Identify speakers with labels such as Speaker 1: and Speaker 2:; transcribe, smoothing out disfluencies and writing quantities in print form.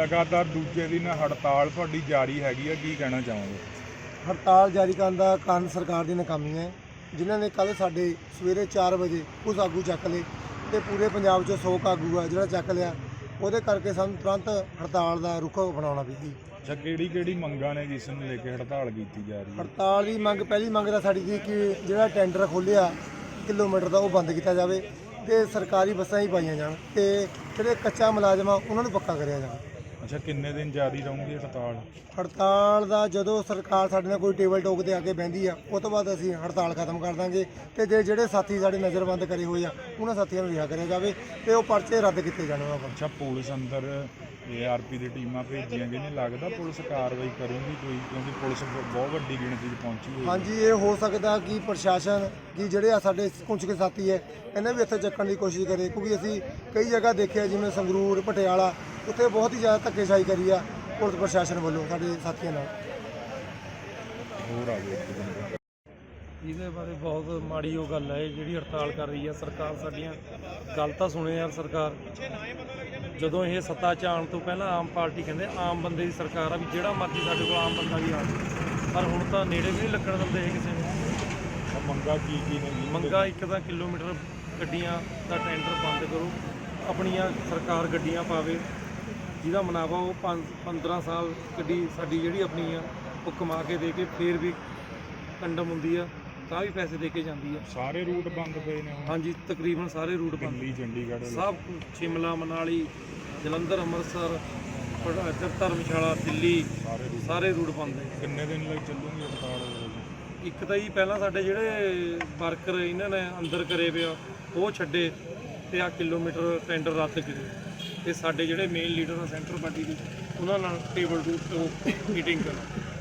Speaker 1: लगातार दूजे दिन हड़ताल ਤੁਹਾਡੀ ਜਾਰੀ ਹੈਗੀ ਆ, ਕੀ ਕਹਿਣਾ ਚਾਹੋਗੇ?
Speaker 2: हड़ताल जारी करने का कारण सरकार की नाकामी है, जिन्होंने कल साढ़े सवेरे 4 बजे कुछ आगू चक ले तो पूरे पंजाब 100 आगू है जो चक लिया, वो करके सानू तुरंत हड़ताल का रुख अपनाना पई।
Speaker 1: अच्छा, किहड़ी मंगां ने जिस नूं लेके हड़ताल की जा रही है?
Speaker 2: हड़ताल की मंग पहली मंग तो साड़ी थी कि जो टेंडर खोलिया किलोमीटर का वो बंद किया जाए तो सरकारी बसां ही पाई जान तो जो कच्चा मुलाजम आ उन्होंने पक्का कराया जाए।
Speaker 1: अच्छा, किन्ने दिन जारी रहूगी हड़ताल?
Speaker 2: हड़ताल का जो सरकार साडे नाल कोई टेबल टॉक ते आके बहंदी आ उस तो बाद असीं हड़ताल खत्म कर देंगे तो ਜਿਹੜੇ साथी साडे नज़रबंद करे हुए आ उन्हां साथियों ਨੂੰ ਰਿਹਾ करिया जाए तो वो पर्चे रद्द किए जाने।
Speaker 1: अच्छा, पुलिस अंदर ARP दी टीमां भेजियां गई, नहीं लगदा पुलिस कार्रवाई करूगी कोई, क्योंकि पुलिस बहुत वड्डी गिणती च पहुंची हुई है।
Speaker 2: हाँ जी, ये हो सकता कि प्रशासन की ਜਿਹੜੇ ਸਾਡੇ ਕੁਝ ਕੇ ਸਾਥੀ है इन्हें भी ਇੱਥੇ ਚੱਕਣ ਦੀ ਕੋਸ਼ਿਸ਼ ਕਰੇ, क्योंकि ਅਸੀਂ ਕਈ ਜਗ੍ਹਾ ਦੇਖਿਆ ਜਿਵੇਂ ਸੰਗਰੂਰ ਪਟਿਆਲਾ ਉੱਥੇ ਬਹੁਤ ਹੀ ਜ਼ਿਆਦਾ ਧੱਕੇਸ਼ਾਹੀ ਕਰੀ ਆ ਪੁਲਿਸ ਪ੍ਰਸ਼ਾਸਨ ਵੱਲੋਂ ਸਾਡੇ ਸਾਥੀਆਂ ਨਾਲ।
Speaker 1: ਹੋਰ ਆ ਗਏ ਇੱਕ ਦਿਨ
Speaker 3: ਇਹਦੇ ਬਾਰੇ ਬਹੁਤ ਮਾੜੀ ਉਹ ਗੱਲ ਹੈ ਜਿਹੜੀ ਹੜਤਾਲ ਕਰ ਰਹੀ ਹੈ ਸਰਕਾਰ। ਸਾਡੀਆਂ ਗੱਲ ਤਾਂ ਸੁਣੇ ਯਾਰ ਸਰਕਾਰ, ਜਦੋਂ ਇਹ ਸੱਤਾ 'ਚ ਆਉਣ ਤੋਂ ਪਹਿਲਾਂ ਆਮ ਪਾਰਟੀ ਕਹਿੰਦੇ ਆਮ ਬੰਦੇ ਦੀ ਸਰਕਾਰ ਆ, ਵੀ ਜਿਹੜਾ ਮਰਜ਼ੀ ਸਾਡੇ ਕੋਲ ਆਮ ਬੰਦਾ ਵੀ ਆ ਜਾਵੇ, ਪਰ ਹੁਣ ਤਾਂ ਨੇੜੇ ਵੀ ਨਹੀਂ ਲੱਗਣ ਦਿੰਦੇ ਇਹ ਕਿਸੇ ਨੂੰ।
Speaker 1: ਮੰਗਾ ਕੀ ਨੇ ਜੀ?
Speaker 3: ਮੰਗਾ ਇੱਕ ਤਾਂ ਕਿਲੋਮੀਟਰ ਗੱਡੀਆਂ ਦਾ ਟੈਂਡਰ ਬੰਦ ਕਰੋ, ਆਪਣੀਆਂ ਸਰਕਾਰ ਗੱਡੀਆਂ ਪਾਵੇ, ਜਿਹਦਾ ਮੁਨਾਫਾ ਉਹ 15 ਸਾਲ ਗੱਡੀ ਸਾਡੀ ਜਿਹੜੀ ਆਪਣੀ ਆ ਉਹ ਕਮਾ ਕੇ ਦੇ ਕੇ ਫੇਰ ਵੀ ਕੰਡਮ ਹੁੰਦੀ ਆ ਤਾਂ ਵੀ ਪੈਸੇ ਦੇ ਕੇ ਜਾਂਦੀ ਆ।
Speaker 1: ਸਾਰੇ ਰੂਟ ਬੰਦ ਪਏ ਨੇ ਹੁਣ?
Speaker 3: ਹਾਂਜੀ, ਤਕਰੀਬਨ ਸਾਰੇ ਰੂਟ ਬੰਦ,
Speaker 1: ਦਿੱਲੀ, ਚੰਡੀਗੜ੍ਹ
Speaker 3: ਸਭ ਸ਼ਿਮਲਾ, ਮਨਾਲੀ, ਜਲੰਧਰ, ਅੰਮ੍ਰਿਤਸਰ, ਧਰਮਸ਼ਾਲਾ, ਦਿੱਲੀ, ਸਾਰੇ ਰੂਟ ਬੰਦ ਹੈ।
Speaker 1: ਕਿੰਨੇ ਦਿਨ ਲਈ ਚੱਲੂਗੀ ਹੜਤਾਲ?
Speaker 3: ਇੱਕ ਤਾਂ ਜੀ ਪਹਿਲਾਂ ਸਾਡੇ ਜਿਹੜੇ ਵਰਕਰ ਇਹਨਾਂ ਨੇ ਅੰਦਰ ਕਰੇ ਪਿਆ ਉਹ ਛੱਡੇ ਤੇ ਆ ਕਿਲੋਮੀਟਰ ਟੈਂਡਰ ਰੱਦ ਕਰੇ, ਤੇ ਸਾਡੇ ਜਿਹੜੇ ਮੇਨ ਲੀਡਰ ਆ ਸੈਂਟਰ ਪਾਰਟੀ ਦੇ ਉਹਨਾਂ ਨਾਲ ਟੇਬਲ ਟੂ ਮੀਟਿੰਗ ਕਰੋ।